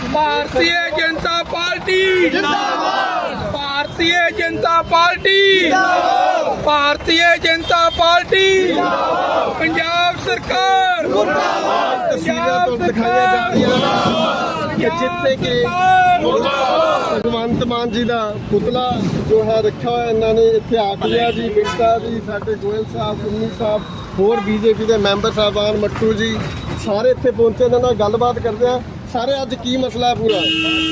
भारतीय जनता पार्टी जिंदाबाद, भारतीय जनता पार्टी जिंदाबाद, भारतीय जनता पार्टी जिंदाबाद, पंजाब सरकार मुर्दाबाद। तस्वीरें तो दिखाई जा रही कि जितने के भगवंत मान जी का पुतला जो है रखा हुआ इन्होंने इतने आखिया जी बिंटा जी साडे गोयल साहब कुन्नी साहब होर बीजेपी के मैंबर साहबान मट्टू जी सारे इतने पहुंचे इन्होंने नाल गलबात करते हैं। सारे अज की मसला है पूरा?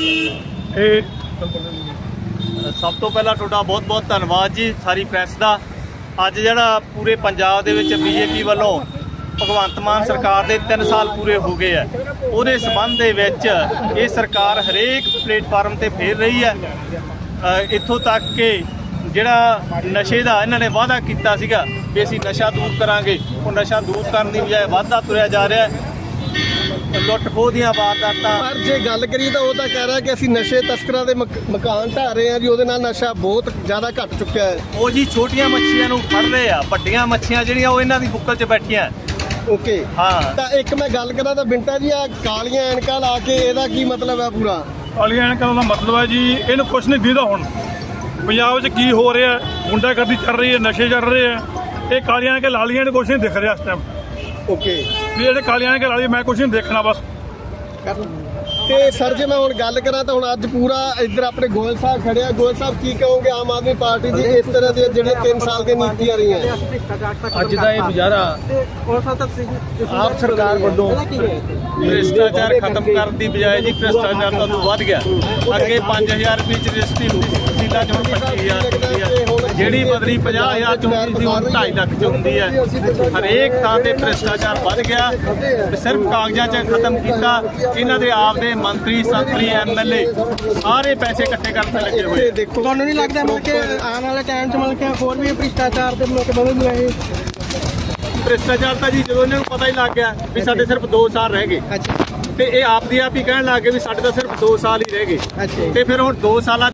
ਸਭ ਤੋਂ ਪਹਿਲਾਂ ਤੁਹਾਡਾ ਬਹੁਤ-ਬਹੁਤ ਧੰਨਵਾਦ ਜੀ ਸਾਰੀ ਪ੍ਰੈਸ ਦਾ। ਅੱਜ ਜਿਹੜਾ ਪੂਰੇ ਪੰਜਾਬ ਦੇ ਵਿੱਚ ਬੀਜੇਪੀ ਵੱਲੋਂ ਭਗਵੰਤ ਮਾਨ ਸਰਕਾਰ ਦੇ 3 ਸਾਲ ਪੂਰੇ ਹੋ ਗਏ ਆ, ਉਹਦੇ ਸੰਬੰਧ ਦੇ ਵਿੱਚ ਇਹ ਸਰਕਾਰ ਹਰੇਕ ਪਲੇਟਫਾਰਮ ਤੇ ਫੇਰ ਰਹੀ ਹੈ। ਇੱਥੋਂ ਤੱਕ ਕਿ ਜਿਹੜਾ ਨਸ਼ੇ ਦਾ ਇਹਨਾਂ ਨੇ ਵਾਅਦਾ ਕੀਤਾ ਸੀਗਾ ਵੀ ਅਸੀਂ ਨਸ਼ਾ ਦੂਰ ਕਰਾਂਗੇ, ਉਹ ਨਸ਼ਾ ਦੂਰ ਕਰਨ ਦੀ ਬਜਾਏ ਵਾਧਾ ਤੁਰਿਆ ਜਾ ਰਿਹਾ ਹੈ। ਲੁੱਟ ਖੋਹ ਦੀਆਂ ਵਾਰਦਾਤਾਂ। ਪਰ ਜੇ ਗੱਲ ਕਰੀਏ ਤਾਂ ਉਹ ਤਾਂ ਕਹਿ ਰਿਹਾ ਕਿ ਅਸੀਂ ਨਸ਼ੇ ਤਸਕਰਾਂ ਦੇ ਮਕਾਨ ਢਾਹ ਰਹੇ ਹਾਂ ਜੀ, ਉਹਦੇ ਨਾਲ ਨਸ਼ਾ ਬਹੁਤ ਜ਼ਿਆਦਾ ਘਟ ਚੁੱਕਿਆ ਹੈ। ਉਹ ਜੀ ਛੋਟੀਆਂ ਮੱਛੀਆਂ ਨੂੰ ਫੜ ਰਹੇ ਆ, ਵੱਡੀਆਂ ਮੱਛੀਆਂ ਜਿਹੜੀਆਂ ਉਹ ਇਹਨਾਂ ਦੀ ਬੁੱਕਲ 'ਚ ਬੈਠੀਆਂ। ਓਕੇ ਹਾਂ, ਤਾਂ ਇੱਕ ਮੈਂ ਗੱਲ ਕਰਾਂ ਤਾਂ ਬਿੰਟਾ ਜੀ ਆ ਕਾਲੀਆਂ ਐਨਕਾਂ ਲਾ ਕੇ ਇਹਦਾ ਕੀ ਮਤਲਬ ਹੈ? ਪੂਰਾ ਕਾਲੀਆਂ ਐਨਕਾਂ ਦਾ ਮਤਲਬ ਹੈ ਜੀ ਇਹਨੂੰ ਕੁਛ ਨਹੀਂ ਦਿਖਦਾ। ਹੁਣ ਪੰਜਾਬ 'ਚ ਕੀ ਹੋ ਰਿਹਾ, ਗੁੰਡਾਗਰਦੀ ਚੱਲ ਰਹੀ ਹੈ, ਨਸ਼ੇ ਚੱਲ ਰਹੇ ਆ, ਇਹ ਕਾਲੀਆਂ ਐਨਕਾਂ ਲਾਲੀਆਂ ਨੂੰ ਕੁਛ ਨਹੀਂ ਦਿਖ ਰਿਹਾ ਇਸ ਟਾਈਮ। ਓਕੇ ਵੀ ਜਿਹੜੇ ਕਾਲੀਆਂ ਐਨਕਾਂ ਲਾਲੀ ਮੈਂ ਕੁਛ ਨਹੀਂ ਦੇਖਣਾ ਬਸ। ਤੇ ਸਰ ਜੇ ਮੈਂ ਹੁਣ ਗੱਲ ਕਰਾਂ ਤਾਂ ਹੁਣ ਅੱਜ ਪੂਰਾ ਇੱਧਰ ਆਪਣੇ ਗੋਇਲ ਸਾਹਿਬ ਖੜੇ ਆ। ਗੋਇਲ ਸਾਹਿਬ ਕੀ ਕਹੋਗੇ ਆਮ ਆਦਮੀ ਪਾਰਟੀ ਦੀ ਇਸ ਤਰ੍ਹਾਂ ਦੀਆਂ ਜਿਹੜੀਆਂ 3 ਸਾਲ ਦੀਆਂ ਨੀਤੀਆਂ ਰਹੀਆਂ? ਅੱਜ ਦਾ ਇਹ ਗੁਜ਼ਾਰਾ ਆਪ ਸਰਕਾਰ ਵੱਲੋਂ ਭ੍ਰਿਸ਼ਟਾਚਾਰ ਖਤਮ ਕਰਨ ਦੀ ਬਜਾਏ ਜੀ ਭ੍ਰਿਸ਼ਟਾਚਾਰ ਤਾਂ ਵੱਧ ਗਿਆ। ਅੱਗੇ 5000 ਰੁਪਏ ਚ ਰਜਿਸਟਰੀ ਹੁੰਦੀ ਸੀ, ਸੀਟਾਂ ਚ ਹੁਣ 25000 ਹੁੰਦੀ ਹੈ। ਜਿਹੜੀ ਬਦਲੀ 50000 ਚ ਹੁੰਦੀ ਸੀ ਹੁਣ 2.5 ਲੱਖ ਚ ਹੁੰਦੀ ਹੈ। ਹਰੇਕ ਥਾਂ ਤੇ ਭ੍ਰਿਸ਼ਟਾਚਾਰ ਵੱਧ ਗਿਆ। ਸਿਰਫ ਕਾਗਜ਼ਾਂ 'ਚ ਖਤਮ ਕੀਤਾ। ਇਹਨਾਂ ਦੇ ਆਪ ਦੇ ਮੰਤਰੀ ਸੰਤਰੀ ਐਮਐਲਏ ਸਾਰੇ ਪੈਸੇ ਇਕੱਠੇ ਕਰਨ ਤੇ ਲੱਗੇ ਹੋਏ। ਦੇਖੋ ਤੁਹਾਨੂੰ ਨਹੀਂ ਲੱਗਦਾ ਮਤਲਬ ਕਿ ਆਉਣ ਵਾਲੇ ਟਾਈਮ 'ਚ ਮਤਲਬ ਕਿ ਹੋਰ ਵੀ ਭ੍ਰਿਸ਼ਟਾਚਾਰ ਦੇ ਮਤਲਬ ਵਧਣਗੇ ਇਹ? ਭ੍ਰਿਸ਼ਟਾਚਾਰ ਤਾਂ ਜੀ ਜਦੋਂ ਇਹਨਾਂ ਨੂੰ ਪਤਾ ਹੀ ਲੱਗ ਗਿਆ ਵੀ ਸਾਡੇ ਸਿਰਫ 2 ਸਾਲ ਰਹਿ ਗਏ ਤੇ ਇਹ ਆਪ ਦੀ ਆਪ ਹੀ ਕਹਿਣ ਲੱਗ ਗਏ ਵੀ ਸਾਡੇ ਤਾਂ ਸਿਰਫ 2 ਸਾਲ ਹੀ ਰਹਿ ਗਏ। ਤੇ ਫਿਰ ਹੁਣ 2 ਸਾਲਾਂ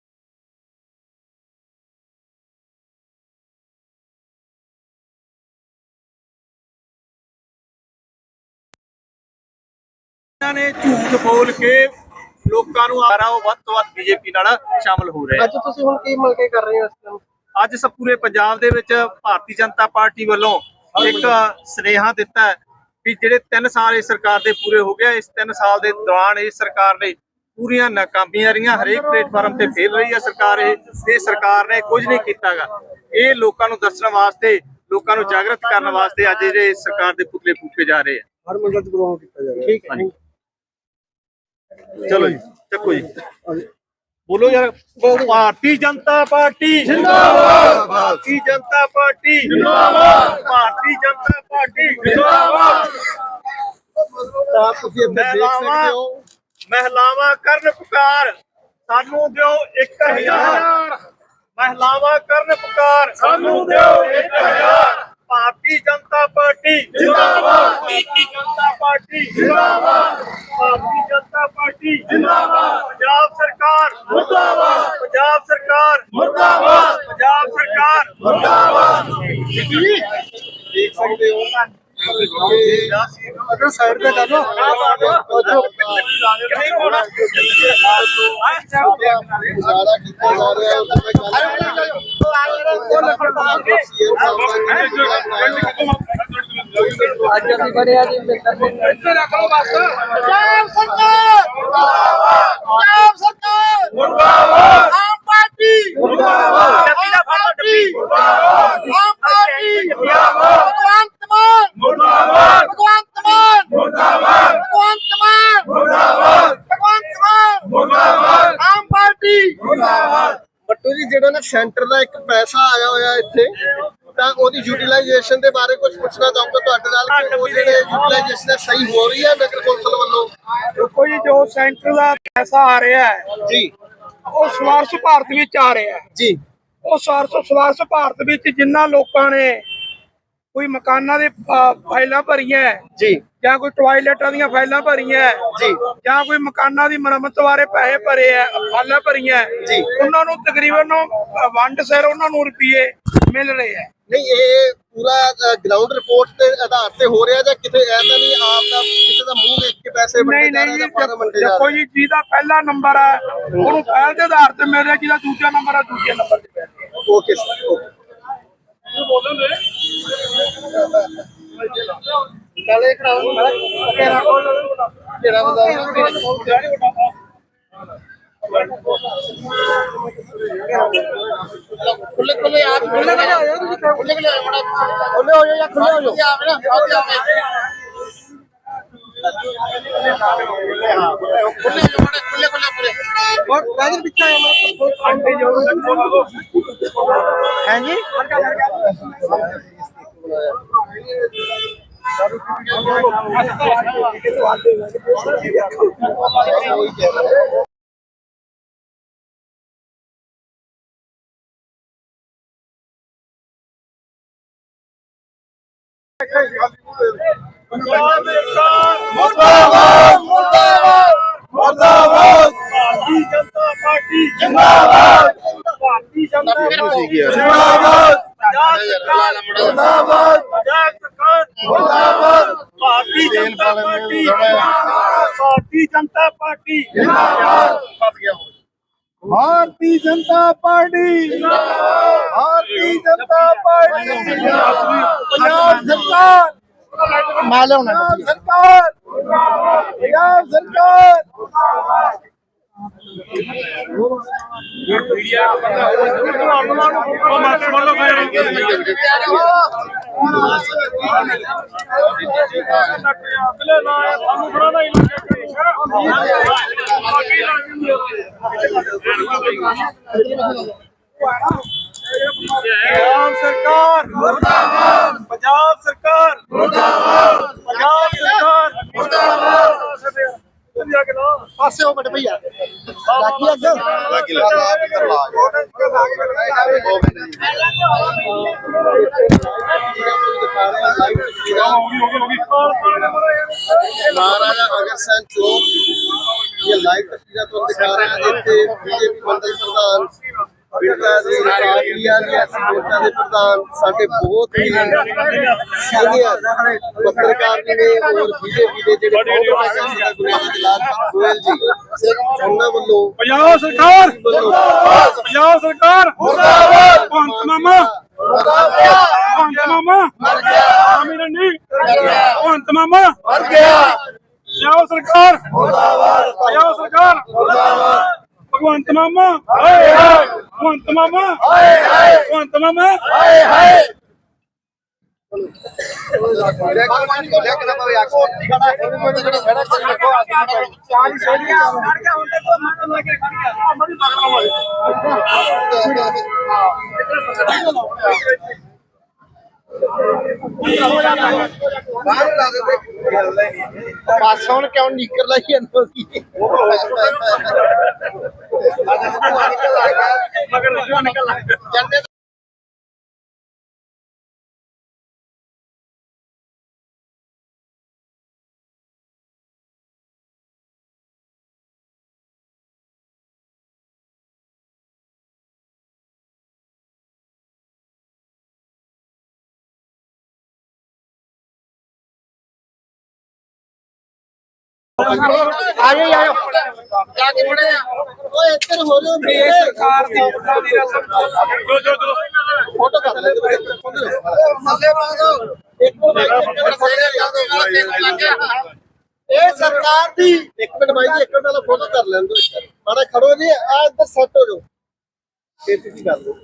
ਇਹਨਾਂ ਨੇ ਝੂਠ ਬੋਲ ਕੇ ਲੋਕਾਂ ਨੂੰ ਆ ਉਹ ਵੱਧ ਤੋਂ ਵੱਧ ਬੀਜੇਪੀ ਨਾਲ ਸ਼ਾਮਲ ਹੋ ਰਹੇ। ਅੱਜ ਤੁਸੀਂ ਹੁਣ ਕੀ ਮਿਲ ਕੇ ਕਰ ਰਹੇ ਹੋ ਇਸ ਟਾਈਮ? ਅੱਜ ਸਭ ਪੂਰੇ ਪੰਜਾਬ ਦੇ ਵਿੱਚ ਭਾਰਤੀ ਜਨਤਾ ਪਾਰਟੀ ਵੱਲੋਂ ਇੱਕ ਸੁਨੇਹਾ ਦਿੱਤਾ ਹੈ ਵੀ ਜਿਹੜੇ 3 ਸਾਲ ਇਸ ਸਰਕਾਰ ਦੇ ਪੂਰੇ ਹੋ ਗਏ, ਇਸ 3 ਸਾਲ ਦੇ ਦੌਰਾਨ ਇਸ ਸਰਕਾਰ ਨੇ ਪੂਰੀਆਂ ਨਾਕਾਮੀਆਂ ਰਹੀਆਂ। ਹਰੇਕ ਪਲੇਟਫਾਰਮ ਤੇ ਫੇਲ ਰਹੀ ਹੈ ਸਰਕਾਰ। ਇਹ ਸਰਕਾਰ ਨੇ ਕੁਝ ਨਹੀਂ ਕੀਤਾਗਾ। ਇਹ ਲੋਕਾਂ ਨੂੰ ਦੱਸਣ ਵਾਸਤੇ, ਲੋਕਾਂ ਨੂੰ ਜਾਗਰਤ ਕਰਨ ਵਾਸਤੇ ਅੱਜ ਜਿਹੜੇ ਸਰਕਾਰ ਦੇ ਪੁਤਲੇ ਫੂਕੇ ਜਾ ਰਹੇ ਆ। ਹਰ ਮੰਡਲ ਚ ਪ੍ਰੋਗਰਾਮ ਕੀਤਾ ਜਾ ਰਿਹਾ। ਠੀਕ ਹੈ, ਚਲੋ ਜੀ ਚੱਕੋ ਜੀ, ਬੋਲੋ ਯਾਰ। ਭਾਰਤੀ ਜਨਤਾ ਪਾਰਟੀ ਜਿੰਦਾਬਾਦ, ਭਾਰਤੀ ਜਨਤਾ ਪਾਰਟੀ ਜਿੰਦਾਬਾਦ, ਭਾਰਤੀ ਜਨਤਾ ਪਾਰਟੀ ਜਿੰਦਾਬਾਦ। ਤਾਂ ਤੁਸੀਂ ਇੱਥੇ ਦੇਖ ਸਕਦੇ ਹੋ ਮਹਿਲਾਵਾਂ ਕਰਨ ਪੁਕਾਰ, ਸਾਨੂੰ ਦਿਓ 1000। ਮਹਿਲਾਵਾਂ ਕਰਨ ਪੁਕਾਰ, ਸਾਨੂੰ ਦਿਓ 1000। ਭਾਰਤੀ ਜਨਤਾ ਪਾਰਟੀ ਜਿੰਦਾਬਾਦ, ਭਾਰਤੀ ਜਨਤਾ ਪਾਰਟੀ ਜਿੰਦਾਬਾਦ, ਭਾਰਤੀ ਜਨਤਾ ਪਾਰਟੀ ਜਿੰਦਾਬਾਦ। ਪੰਜਾਬ ਸਰਕਾਰ ਮੁਰਦਾਬਾਦ, ਪੰਜਾਬ ਸਰਕਾਰ ਮੁਰਦਾਬਾਦ, ਪੰਜਾਬ ਸਰਕਾਰ ਮੁਰਦਾਬਾਦ। ਦੇਖ ਸਕਦੇ ਹੋ ਅਗਰ ਸਾਈਡ ਤੇ ਕਰ ਲਓ ਗੁਜ਼ਾਰਾ ਕੀਤਾ ਜਾ ਰਿਹਾ ਅੱਜ ਅਸੀਂ ਬੜਿਆ ਜੀ ਇੱਥੇ ਰੱਖ ਲਓ ਬਸ। ਪੰਜਾਬ ਸਰਕਾਰ ਮੁਰਦਾਬਾਦ, ਪੰਜਾਬ ਸਰਕਾਰ ਮੁਰਦਾਬਾਦ, ਆਮ ਪਾਰਟੀ ਮੁਰਦਾਬਾਦ, ਆਮ ਪਾਰਟੀ ਮੁਰਦਾਬਾਦ, ਆਮ ਪਾਰਟੀ ਮੁਰਦਾਬਾਦ, ਭਗਵੰਤ ਮਾਨ ਮੁਰਦਾਬਾਦ, ਭਗਵੰਤ ਮਾਨ ਮੁਰਦਾਬਾਦ, ਭਗਵੰਤ ਮਾਨ ਮੁਰਦਾਬਾਦ, ਭਗਵੰਤ ਮਾਨ ਮੁਰਦਾਬਾਦ, ਆਮ ਪਾਰਟੀ ਮੁਰਦਾਬਾਦ। ਬੱਟੂ ਜੀ ਜਿਹੜਾ ਨਾ ਸੈਂਟਰ ਦਾ ਇੱਕ ਪੈਸਾ ਆਇਆ ਹੋਇਆ ਇੱਥੇ ਤਾਂ ਉਹਦੀ ਯੂਟਿਲਾਈਜੇਸ਼ਨ ਦੇ ਬਾਰੇ ਕੁਝ ਪੁੱਛਣਾ ਚਾਹੂੰਗਾ ਤੁਹਾਡੇ ਨਾਲ ਕਿ ਉਹ ਜਿਹੜੇ ਯੂਟਿਲਾਈਜੇਸ਼ਨ ਸਹੀ ਹੋ ਰਹੀ ਹੈ ਨਗਰ ਕੌਂਸਲ ਵੱਲੋਂ? ਦੇਖੋ ਜੀ ਜੋ ਸੈਂਟਰ ਦਾ ਪੈਸਾ ਆ ਰਿਹਾ ਹੈ ਜੀ ਉਹ ਸਵਾਰਥ ਭਾਰਤ ਵਿੱਚ ਆ ਰਿਹਾ ਹੈ ਜੀ ਉਹ ਸਵਾਰਥ ਭਾਰਤ ਵਿੱਚ ਜਿਨ੍ਹਾਂ ਲੋਕਾਂ ਨੇ ਕੋਈ ਮਕਾਨਾਂ ਦੇ ਫਾਈਲਾਂ ਭਰੀਆਂ ਜੀ ਜਾਂ ਕੋਈ ਟਾਇਲਟਾਂ ਦੀਆਂ ਫਾਈਲਾਂ ਭਰੀਆਂ ਜੀ, ਜਾਂ ਕੋਈ ਮਕਾਨਾਂ ਦੀ ਮੁਰੰਮਤ ਬਾਰੇ ਪੈਸੇ ਭਰੇ ਆ, ਫਾਈਲਾਂ ਭਰੀਆਂ ਜੀ, ਉਹਨਾਂ ਨੂੰ ਤਕਰੀਬਨ ਵੰਡ ਸਿਰ ਉਹਨਾਂ ਨੂੰ ਰੁਪਏ ਮਿਲ ਰਹੇ ਆ। ਨਹੀਂ ਇਹ ਪੂਰਾ ਗਰਾਊਂਡ ਰਿਪੋਰਟ ਦੇ ਆਧਾਰ ਤੇ ਹੋ ਰਿਹਾ ਜਾਂ ਕਿਤੇ ਐਸਾ ਨਹੀਂ ਆਪ ਦਾ ਕਿਸੇ ਦਾ ਮੂੰਹ ਵੇਖ ਕੇ ਪੈਸੇ ਵੰਡੇ ਜਾ ਰਹੇ ਜਾਂ ਫਾਰਮ ਵੰਡੇ ਜਾ ਕੋਈ ਜਿਹਦਾ ਪਹਿਲਾ ਨੰਬਰ ਆ ਉਹਨੂੰ ਪਹਿਲ ਦੇ ਆਧਾਰ ਤੇ ਮਿਲ ਰਿਹਾ, ਜਿਹਦਾ ਦੂਜਾ ਨੰਬਰ ਆ ਦੂਜੇ ਨੰਬਰ ਤੇ ਮਿਲ ਰਿਹਾ। ਓਕੇ ਸਰ ਕਾਲੇ ਖੜਾਓ ਕਿਹੜਾ ਬਤਾ खुले खुले आप खुले खुले हो जाओ खुले खुले खुले हो जाओ या खुले हो जाओ आप ना खुले खुले खुले पूरे और गाजर पिक्चर है हैं जी मुर्दाबाद मुर्दाबाद मुर्दाबाद भारतीय जनता पार्टी जिंदाबाद भारतीय जनता पार्टी जिंदाबाद मुर्दाबाद मुर्दाबाद भारतीय जनता पार्टी भारतीय जनता पार्टी भारतीय जनता पार्टी भारतीय जनता पार्टी पंजाब सरकार सरकार पंजाब सरकार पंजाब सरकार मुर्दाबाद पंजाब सरकार मुर्दाबाद पंजाब सरकार मुर्दाबाद पासे हो बड़े भैया बाकी महाराजा अग्रसेन चौक ये लाइव तस्वीरें तो दिखा रहे हैं बीजेपी मंडल प्रधान प्रधान साढ़े बहुत ही सीनियर पत्रकार ने और बीजेपी के गोयल जी उन्होंने पंजाब सरकार पंजाब सरकार भगवंत मामा भगवंत मामा भगवंत मामा पंजाब सरकार पंजाब सरकार भगवंत मामा भगवंत मामा भगवंत मामा पास ਹੁਣ ਕਿਉਂ ਨਿਕਲ ਰਹੀ ਹੈ ਮਗਰ आयो जाके बड़े ओए इधर हो लो सरकार दी फोटो कर ले मल्ले मांगो ए सरकार दी एक मिनट भाई जी एक मिनट वाला फोटो कर लें दो माड़ा खड़ो जी आ इधर सेट हो जाओ खेती कर लो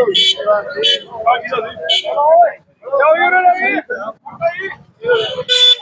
चलो